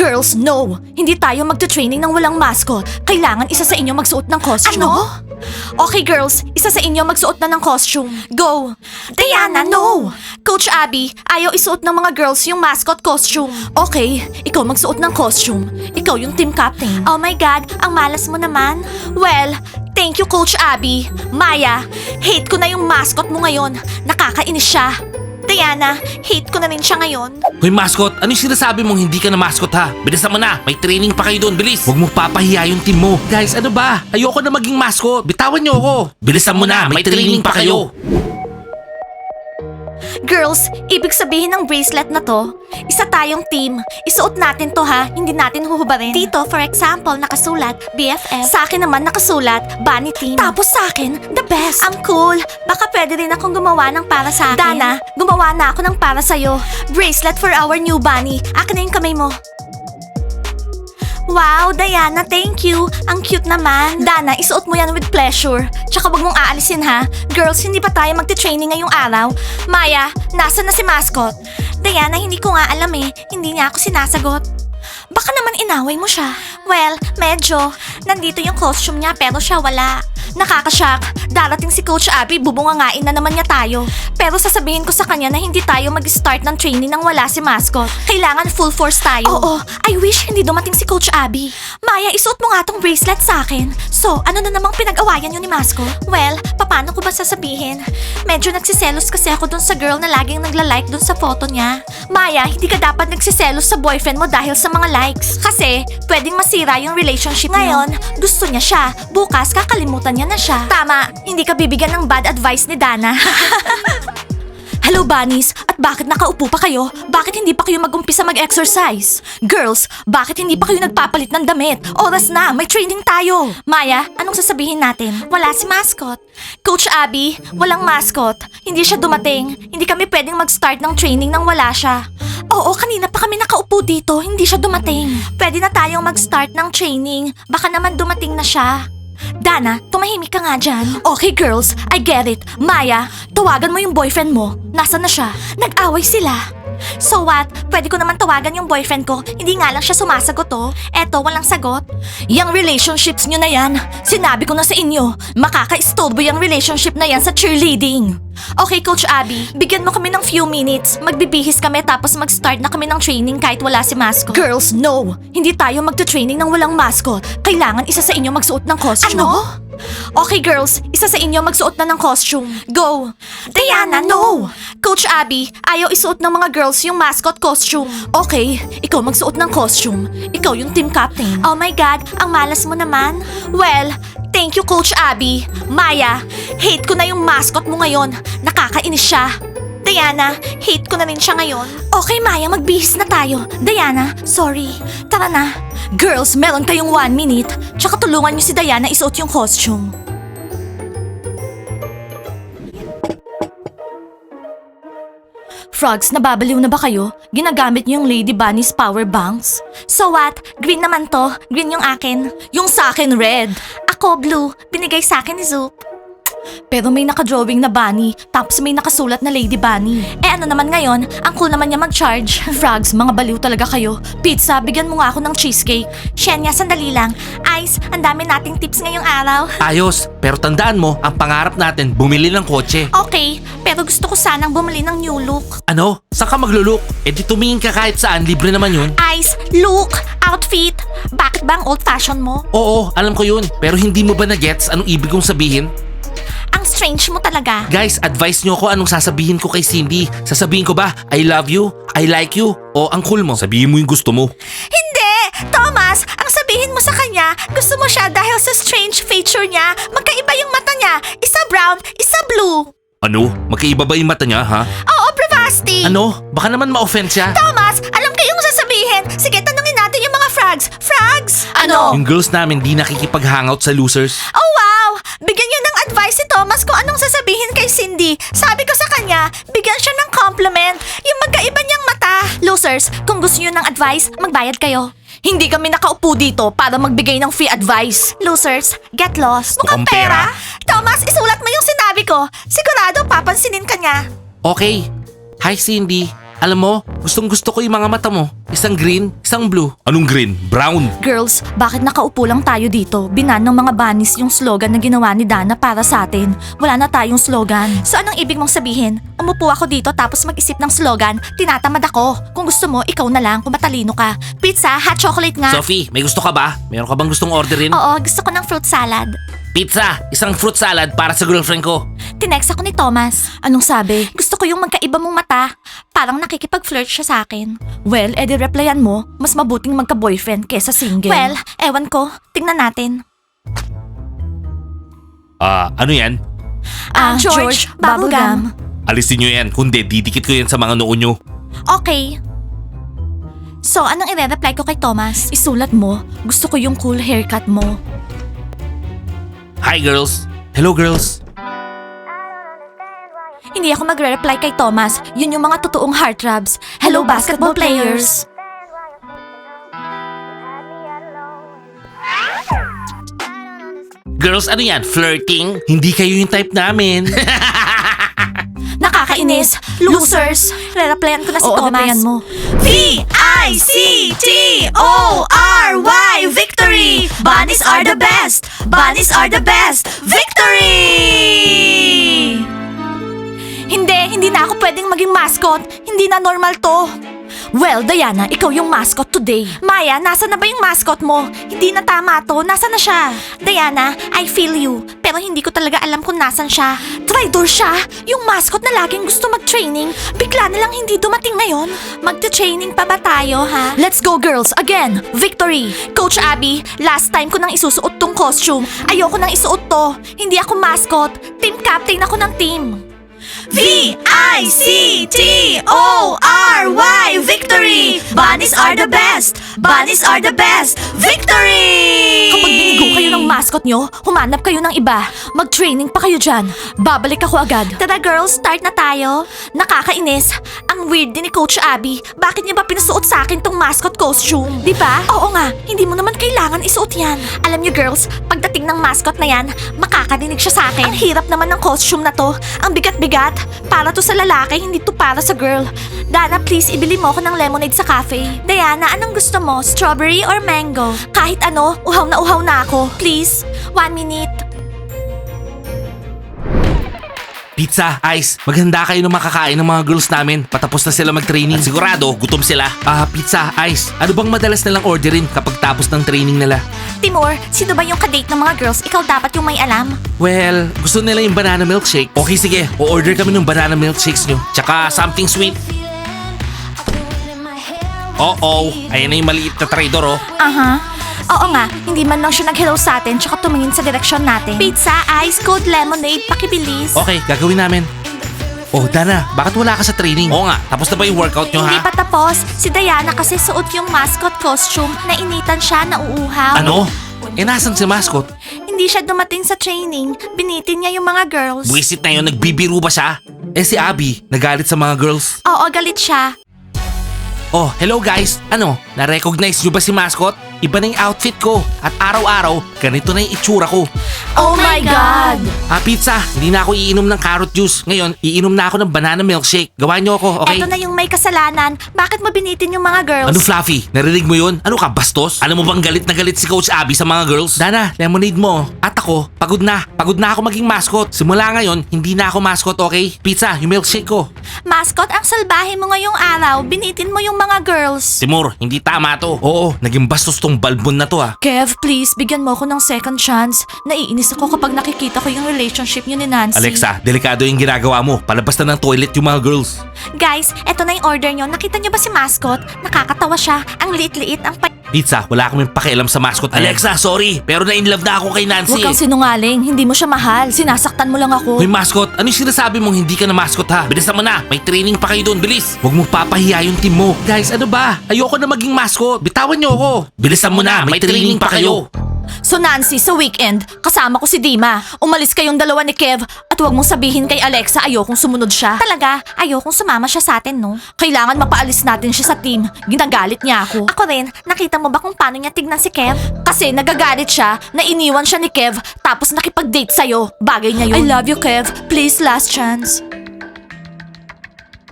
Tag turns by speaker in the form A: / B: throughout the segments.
A: Girls, no! Hindi tayo magte-training ng walang mascot. Kailangan isa sa inyo magsuot ng costume. Ano? Okay girls, isa sa inyo magsuot na ng costume. Go! Diana, no! Coach Abby, ayaw isuot ng mga girls yung mascot costume. Okay, ikaw magsuot ng costume. Ikaw yung team captain. Oh my God, ang malas mo naman. Well, thank you Coach Abby. Maya, hate ko na yung mascot mo ngayon. Nakakainis siya. Diana, hate ko na rin siya ngayon.
B: Hoy mascot, ano yung sinasabi mong hindi ka na mascot ha? Bilisan mo na, may training pa kayo doon, bilis. Huwag mo papahiya yung team mo. Guys, ano ba? Ayoko na maging mascot. Bitawan niyo ako. Bilisan mo na, may training pa kayo.
A: Girls, ibig sabihin ng bracelet na to, isa tayong team. Isuot natin to ha, hindi natin huhubarin. Dito, for example, nakasulat, BFF. Sa akin naman nakasulat, Bunny Team. Tapos sa akin, the best. Ang cool. Baka pwede rin akong gumawa ng para sa akin. Dana, gumawa na ako ng para sa'yo. Bracelet for our new bunny. Akin na yung kamay mo. Wow, Diana, thank you. Ang cute naman. Dana, isuot mo yan with pleasure. Tsaka wag mong aalisin ha. Girls, hindi pa tayo magte-training ngayong araw. Maya, nasa na si mascot? Diana, hindi ko nga alam eh. Hindi niya ako sinasagot. Baka naman inaway mo siya. Well, medyo. Nandito yung costume niya pero siya wala. Nakakashock. Darating si Coach Abby, bubungangain na naman niya tayo. Pero sasabihin ko sa kanya na hindi tayo mag-start ng training nang wala si mascot. Kailangan full force tayo. Oo, I wish hindi dumating si Coach Abby. Maya, isuot mo nga tong bracelet sa akin. So, ano na namang pinag-awayan yun ni mascot? Well, paano ko ba sasabihin? Medyo nagsiselos kasi ako dun sa girl na laging nagla-like dun sa photo niya. Maya, hindi ka dapat nagsiselos sa boyfriend mo dahil sa mga likes. Kasi, pwedeng masira yung relationship niyo. Ngayon, gusto niya siya. Bukas, kakalimutan niya na siya. Tama, hindi ka bibigyan ng bad advice ni Dana. Hello, bunnies! At bakit nakaupo pa kayo? Bakit hindi pa kayo mag-umpisa mag-exercise? Girls, bakit hindi pa kayo nagpapalit ng damit? Oras na, may training tayo! Maya, anong sasabihin natin? Wala si mascot. Coach Abby, walang mascot. Hindi siya dumating. Hindi kami pwedeng mag-start ng training nang wala siya. Oo, kanina pa kami nakaupo dito. Hindi siya dumating. Pwede na tayong mag-start ng training. Baka naman dumating na siya. Dana, tumahimik ka nga dyan. Okay girls, I get it. Maya, tawagan mo yung boyfriend mo. Nasaan na siya? Nag-away sila. So what? Pwede ko naman tawagan yung boyfriend ko. Hindi nga lang siya sumasagot oh. Eto, walang sagot. Yang relationships nyo na yan. Sinabi ko na sa inyo, makaka-istorbo yung relationship na yan sa cheerleading. Okay, Coach Abby, bigyan mo kami ng few minutes. Magbibihis kami tapos mag-start na kami ng training kahit wala si mascot. Girls, no! Hindi tayo magte-training ng walang mascot. Kailangan isa sa inyo magsuot ng costume. Ano? Okay, girls, isa sa inyo magsuot na ng costume. Go! Diana, no! Coach Abby, ayaw isuot ng mga girls yung mascot costume. Okay, ikaw magsuot ng costume. Ikaw yung team captain. Oh my God, ang malas mo naman. Well, thank you, Coach Abby. Maya, hate ko na yung mascot mo ngayon. Nakakainis siya. Diana, hate ko na rin siya ngayon. Okay, Maya, magbihis na tayo. Diana, sorry. Tara na. Girls, meron kayong 1 minute. Tsaka tulungan niyo si Diana isuot yung costume. Frogs, nababaliw na ba kayo? Ginagamit niyo yung Lady Bunny's power banks? So what? Green naman to. Green yung akin. Yung sa akin, red. Ako, blue. Binigay sa akin ni Zoop. Pero may nakadrawing na bunny, tapos may nakasulat na Lady Bunny. Eh ano naman ngayon, ang cool naman niya mag-charge. Frogs, mga baliw talaga kayo. Pizza, bigyan mo nga ako ng cheesecake. Shenya, sandali lang. Ice, ang dami nating tips ngayong araw.
B: Ayos, pero tandaan mo, ang pangarap natin, bumili ng kotse.
A: Okay, pero gusto ko sanang bumili ng new look.
B: Ano? Saan ka magluluk? Eh di tumingin ka kahit saan, libre naman yun.
A: Ice, look, outfit. Bakit ba ang old fashion mo?
B: Oo, alam ko yun. Pero hindi mo ba na-gets anong ibig kong sabihin?
A: Ang strange mo talaga.
B: Guys, advice nyo ko anong sasabihin ko kay Cindy. Sasabihin ko ba, I love you, I like you, o ang cool mo? Sabihin mo yung gusto mo.
A: Hindi! Thomas, ang sabihin mo sa kanya, gusto mo siya dahil sa strange feature niya. Magkaiba yung mata niya. Isa brown, isa blue.
B: Ano? Magkaiba ba yung mata niya, ha?
A: Oo, Bravasti.
B: Ano? Baka naman ma-offend siya.
A: Thomas, alam ko yung sasabihin. Sige, tanungin natin yung mga frogs. Frogs? Ano?
B: Yung girls namin di nakikipag-hangout sa losers.
A: Oh wow! Bigyan niyo ng advice si Thomas kung anong sasabihin kay Cindy. Sabi ko sa kanya, bigyan siya ng compliment. Yung magkaiba niyang mata. Losers, kung gusto niyo ng advice, magbayad kayo. Hindi kami nakaupo dito para magbigay ng free advice. Losers, get lost.
B: Mukhang pera.
A: Thomas, isulat mo yung sinabi ko. Sigurado papansinin ka niya.
B: Okay. Hi Cindy. Alam mo, gustong gusto ko yung mga mata mo. Isang green, isang blue. Anong green? Brown.
A: Girls, bakit nakaupo lang tayo dito? Binan ng mga bunnies yung slogan na ginawa ni Dana para sa atin. Wala na tayong slogan. So anong ibig mong sabihin? Umupo ako dito tapos mag-isip ng slogan, tinatamad ako. Kung gusto mo, ikaw na lang kung matalino ka. Pizza, hot chocolate nga.
B: Sophie, may gusto ka ba? Meron ka bang gustong orderin?
A: Oo, gusto ko ng fruit salad.
B: Pizza, isang fruit salad para sa girlfriend ko.
A: Tinext ako ni Thomas. Anong sabi? Gusto ko yung magkaiba mong mata. Parang nakikipag-flirt siya sa akin. Well, edi replyan mo, mas mabuting magka-boyfriend kesa single. Well, ewan ko. Tingnan natin.
B: Ano yan?
A: George, bubblegum.
B: Alisin nyo yan, kundi didikit ko yan sa mga noo nyo.
A: Okay. So, anong i-reply ko kay Thomas? Isulat mo, gusto ko yung cool haircut mo.
B: Hi girls. Hello girls.
A: Hindi ako magre-reply kay Thomas. Yun yung mga totoong heartthrobs. Hello, basketball players!
B: Girls, ano yan? Flirting? Hindi kayo yung type namin.
A: Nakakainis! Losers! Re-replyan ko na si Thomas. Mo. V-I-C-T-O-R-Y Victory! Bunnies are the best! Bunnies are the best! Victory! Hindi na ako pwedeng maging mascot. Hindi na normal to. Well, Diana, ikaw yung mascot today. Maya, nasa na ba yung mascot mo? Hindi na tama to. Nasa na siya? Diana, I feel you. Pero hindi ko talaga alam kung nasan siya. Traitor siya? Yung mascot na laging gusto mag-training, bigla na lang hindi dumating ngayon. Magta-training pa ba tayo, ha? Let's go, girls. Again, victory. Coach Abby, last time ko nang isusuot tong costume. Ayoko nang isuot to. Hindi ako mascot. Team captain ako ng team. V-I-C-T-O-R-Y Victory! Bunnies are the best! Bunnies are the best! Victory! Kapag binigo kayo ng mascot nyo, humanap kayo ng iba. Mag-training pa kayo dyan. Babalik ako agad. Tara girls, start na tayo. Nakakainis. Ang weird din ni Coach Abby. Bakit niya ba pinasuot sa akin tong mascot costume? Di ba? Oo nga, hindi mo naman kailangan isuot yan. Alam niyo girls, pagdating ng mascot na yan, makakarinig siya sa akin. Ang hirap naman ng costume na to. Ang bigat-bigat. Para to sa lalaki, hindi to para sa girl. Dana, please, ibili mo ako ng lemonade sa cafe. Diana, anong gusto mo? Strawberry or mango? Kahit ano, uhaw na ako. Please, 1 minute.
B: Pizza, ice, maghanda kayo ng makakain ng mga girls namin. Patapos na sila mag-training. At sigurado, gutom sila. Pizza, ice, ano bang madalas nilang orderin kapag tapos ng training nila?
A: Timur, sino ba yung kadate ng mga girls? Ikaw dapat yung may alam.
B: Well, gusto nila yung banana milkshake. Okay, sige, o-order kami ng banana milkshakes nyo. Tsaka something sweet. Oo, ayan na yung maliit na trader, oh.
A: Oo nga, hindi man lang siya nag-hello sa atin tsaka tumingin sa direksyon natin. Pizza, ice, cold lemonade, pakibilis.
B: Okay, gagawin namin. Oh, Dana, bakit wala ka sa training? Oo nga, tapos na ba yung workout nyo,
A: Hindi
B: ha?
A: pa tapos. Si Diana kasi suot yung mascot costume. Nainitan siya, nauuhaw.
B: Ano? Nasan si mascot?
A: Hindi siya dumating sa training. Binitin niya yung mga girls.
B: Buwisit na yun, nagbibiru ba siya? Si Abby, nagalit sa mga girls.
A: Oo, galit siya.
B: Oh, hello guys. Ano, na-recognize nyo ba si mascot? Iba na yung outfit ko. At araw-araw, ganito na yung itsura ko.
A: Oh my God!
B: Pizza, hindi na ako iinom ng carrot juice. Ngayon, iinom na ako ng banana milkshake. Gawan nyo ako, okay?
A: Eto na yung may kasalanan. Bakit mo binitin yung mga girls?
B: Ano Fluffy? Narinig mo yun? Ano ka, bastos? Alam mo bang galit na galit si Coach Abby sa mga girls? Dana, lemonade mo. At ako, pagod na. Pagod na ako maging mascot. Simula ngayon, hindi na ako mascot, okay? Pizza, yung milkshake ko.
A: Mascot, ang salbahe mo ngayong araw. Binitin mo yung mga girls.
B: Timur, hindi tama to. Oo, naging bastos tong balbon na to
A: Kev, please, bigyan mo ako ng second chance. Naiinis ako kapag nakikita ko yung relationship niyo ni Nancy.
B: Alexa, delikado yung ginagawa mo. Palabas na ng toilet yung mga girls.
A: Guys, eto na yung order nyo. Nakita nyo ba si Mascot? Nakakatawa siya. Ang liit-liit, ang
B: Pizza, wala kaming pakialam sa mascot. Alexa, sorry, pero na-inlove na ako kay Nancy.
A: Huwag kang sinungaling. Hindi mo siya mahal. Sinasaktan mo lang ako.
B: Hoy mascot, ano yung sinasabi mong hindi ka na mascot ha? Bilisan mo na, may training pa kayo doon, bilis. Huwag mo papahiya yung team mo. Guys, ano ba? Ayoko na maging mascot. Bitawan niyo ako. Bilisan mo na, may training pa kayo.
A: So Nancy, sa weekend, kasama ko si Dima. Umalis kayong dalawa ni Kev at huwag mong sabihin kay Alexa ayokong sumunod siya. Talaga, ayokong sumama siya sa atin, no? Kailangan mapaalis natin siya sa team. Ginagalit niya ako. Ako rin, nakita mo ba kung paano niya tignan si Kev? Kasi nagagalit siya na iniwan siya ni Kev tapos nakipag-date sa'yo. Bagay niya yun. I love you, Kev. Please, last chance.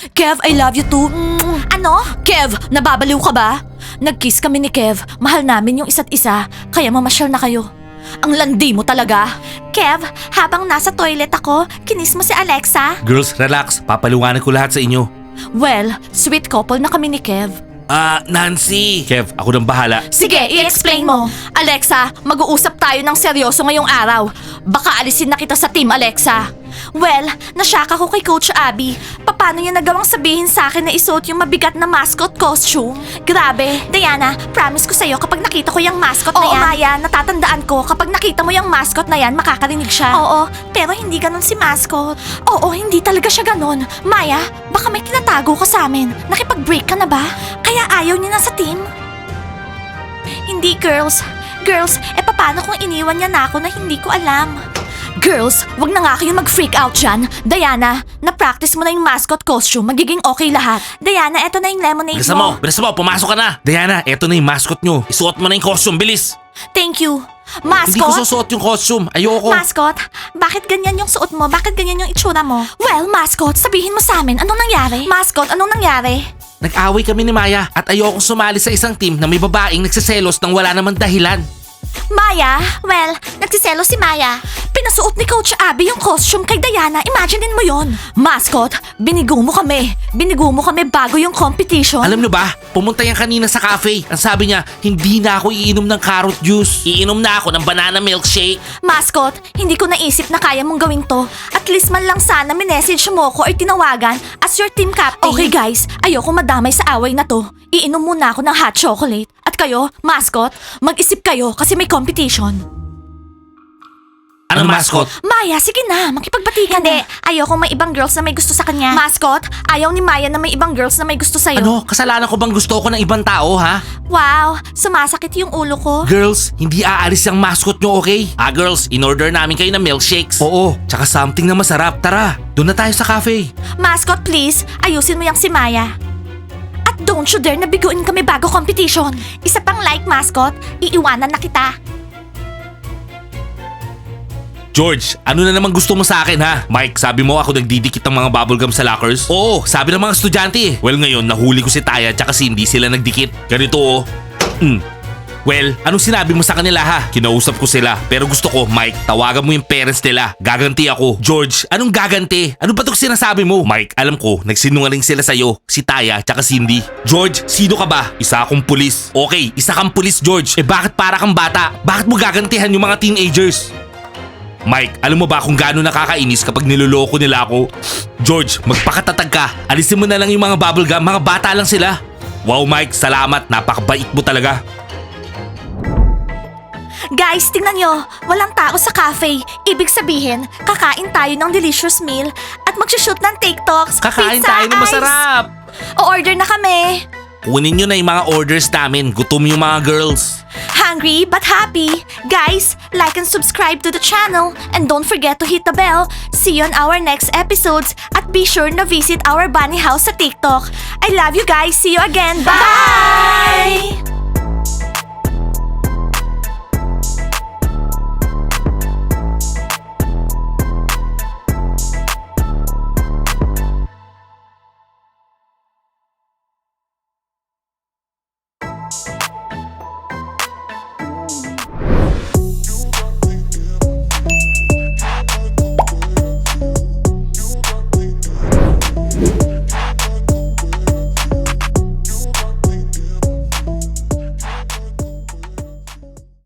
A: Kev, I love you too. Ano? Kev, nababaliw ka ba? Nag-kiss kami ni Kev. Mahal namin yung isa't isa. Kaya mamasyal na kayo. Ang landi mo talaga. Kev, habang nasa toilet ako, kinis mo si Alexa?
B: Girls, relax. Papaliwanag ko lahat sa inyo.
A: Well, sweet couple na kami ni Kev.
B: Nancy! Kev, ako nang bahala.
A: Sige, i-explain mo. Alexa, mag-uusap tayo ng seryoso ngayong araw. Baka alisin na kita sa team, Alexa. Well, nasyak ako kay Coach Abby. Paano niya nagawang sabihin sa akin na isuot yung mabigat na mascot costume? Grabe. Diana, promise ko sa'yo kapag nakita ko yung mascot na yan. Oo, Maya, natatandaan ko kapag nakita mo yung mascot na yan, makakarinig siya. Oo, pero hindi ganun si mascot. Oo, hindi talaga siya ganun. Maya, baka may tinatago ka sa amin. Nakipag-break ka na ba? Kaya ayaw niya na sa team? Hindi, girls. Girls, paano kung iniwan niya na ako na hindi ko alam? Girls, wag na nga kayo mag-freak out dyan. Diana, na-practice mo na yung mascot costume. Magiging okay lahat. Diana, eto na yung lemonade
B: Bilis mo, pumasok ka na. Diana, eto na yung mascot nyo. Isuot mo na yung costume, bilis.
A: Thank you. Mascot?
B: Hindi ko susuot yung costume, ayoko.
A: Mascot, bakit ganyan yung suot mo? Bakit ganyan yung itsura mo? Well, mascot, sabihin mo sa amin, anong nangyari? Mascot, anong nangyari?
B: Nag-away kami ni Maya at ayokong sumali sa isang team na may babaeng nagsiselos nang wala naman dahilan.
A: Maya? Well, nagsiselos si Maya. Pinasuot ni Coach Abby yung costume kay Diana. Imaginein mo yon. Mascot, binigo mo kami. Binigo mo kami bago yung competition.
B: Alam nyo ba, pumunta yan kanina sa cafe. Ang sabi niya, hindi na ako iinom ng carrot juice. Iinom na ako ng banana milkshake.
A: Mascot, hindi ko naisip na kaya mong gawin to. At least man lang sana minessage mo ko or tinawagan as your team captain. Okay guys, ayoko madamay sa away na to. Iinom muna ako ng hot chocolate. At kayo, mascot, mag-isip kayo kasi may competition.
B: Anong mascot?
A: Maya, sige na, makipagbati ka na. Ayoko may ibang girls na may gusto sa kanya. Mascot, ayaw ni Maya na may ibang girls na may gusto sa'yo.
B: Ano? Kasalanan ko bang gusto ko ng ibang tao, ha?
A: Wow, sumasakit yung ulo ko.
B: Girls, hindi aalis yung mascot nyo, okay? Girls, in-order namin kayo ng milkshakes. Oo, tsaka something na masarap. Tara, doon na tayo sa cafe.
A: Mascot, please, ayusin mo yung si Maya. At don't you dare na biguin kami bago competition. Isa pang like, mascot, iiwanan na kita.
B: George, ano na naman gusto mo sa akin, ha? Mike, sabi mo ako nagdidikit ng mga bubblegum sa lockers? Oo, sabi ng mga estudyante eh. Well, ngayon, nahuli ko si Taya tsaka si hindi sila nagdikit. Ganito oh. Well, anong sinabi mo sa kanila ha? Kinausap ko sila. Pero gusto ko, Mike, tawagan mo yung parents nila. Gaganti ako. George, anong gaganti? Ano ba itong sinasabi mo? Mike, alam ko, nagsinungaling sila sa'yo. Si Taya, tsaka Cindy. George, sino ka ba? Isa akong pulis. Okay, isa kang pulis, George. Bakit para kang bata? Bakit mo gagantihan yung mga teenagers? Mike, alam mo ba kung gaano nakakainis kapag niloloko nila ako? George, magpakatatag ka. Alisin mo na lang yung mga bubblegum. Mga bata lang sila. Wow, Mike, salamat. Napakabait mo talaga.
A: Guys, tingnan nyo. Walang tao sa cafe. Ibig sabihin, kakain tayo ng delicious meal at magshoot ng TikToks.
B: Kakain
A: Pizza,
B: tayo ng
A: ice.
B: masarap.
A: O-order na kami.
B: Kunin nyo na yung mga orders namin. Gutom yung mga girls.
A: Hungry but happy. Guys, like and subscribe to the channel. And don't forget to hit the bell. See you on our next episodes. At be sure na visit our bunny house sa TikTok. I love you guys. See you again. Bye!